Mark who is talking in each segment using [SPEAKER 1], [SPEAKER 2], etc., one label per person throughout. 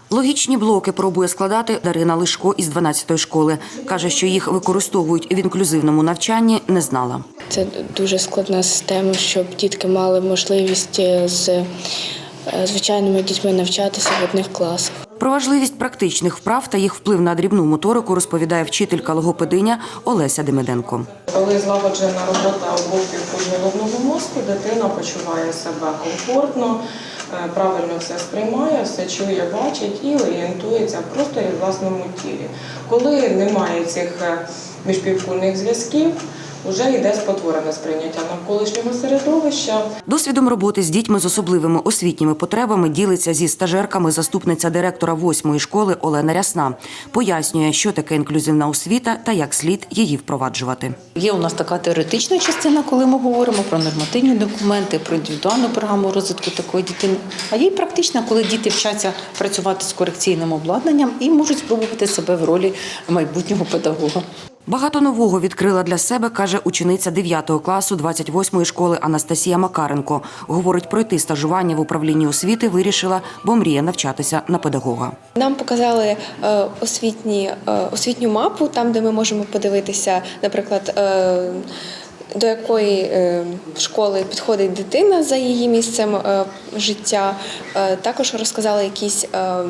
[SPEAKER 1] Логічні блоки пробує складати Дарина Лишко із 12-ї школи. Каже, що їх використовують в інклюзивному навчанні, не знала.
[SPEAKER 2] Це дуже складна система, щоб дітки мали можливість з звичайними дітьми навчатися в одних класах.
[SPEAKER 1] Про важливість практичних вправ та їх вплив на дрібну моторику розповідає вчителька-логопединя Олеся Демиденко.
[SPEAKER 3] Коли злагоджена робота обох півкуль головного мозку, дитина почуває себе комфортно, правильно все сприймає, все чує, бачить і орієнтується просто і в власному тілі. Коли немає цих міжпівкульних зв'язків, вже йде спотворене сприйняття навколишнього середовища.
[SPEAKER 1] Досвідом роботи з дітьми з особливими освітніми потребами ділиться зі стажерками заступниця директора 8-ї школи Олена Рясна. Пояснює, що таке інклюзивна освіта та як слід її впроваджувати.
[SPEAKER 4] Є у нас така теоретична частина, коли ми говоримо про нормативні документи, про індивідуальну програму розвитку такої дитини. А є і практична, коли діти вчаться працювати з корекційним обладнанням і можуть спробувати себе в ролі майбутнього педагога.
[SPEAKER 1] Багато нового відкрила для себе, каже учениця 9 класу 28-ї школи Анастасія Макаренко. Говорить, пройти стажування в управлінні освіти вирішила, бо мріє навчатися на педагога.
[SPEAKER 5] Нам показали освітню мапу, там, де ми можемо подивитися, наприклад, до якої школи підходить дитина за її місцем життя. Також розказали якісь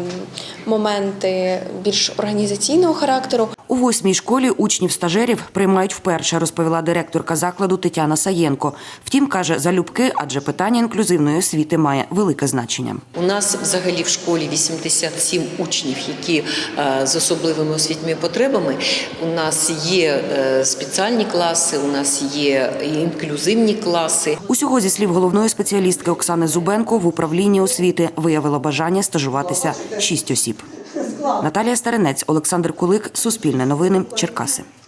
[SPEAKER 5] моменти більш організаційного характеру.
[SPEAKER 1] У 8-й школі учнів-стажерів приймають вперше, розповіла директорка закладу Тетяна Саєнко. Втім, каже, залюбки, адже питання інклюзивної освіти має велике значення.
[SPEAKER 6] У нас взагалі в школі 87 учнів, які з особливими освітніми потребами. У нас є спеціальні класи, у нас є інклюзивні класи.
[SPEAKER 1] Усього, зі слів головної спеціалістки Оксани Зубенко, в управлінні освіти виявило бажання стажуватися 6 осіб. Наталія Старинець, Олександр Кулик, Суспільне новини, Черкаси.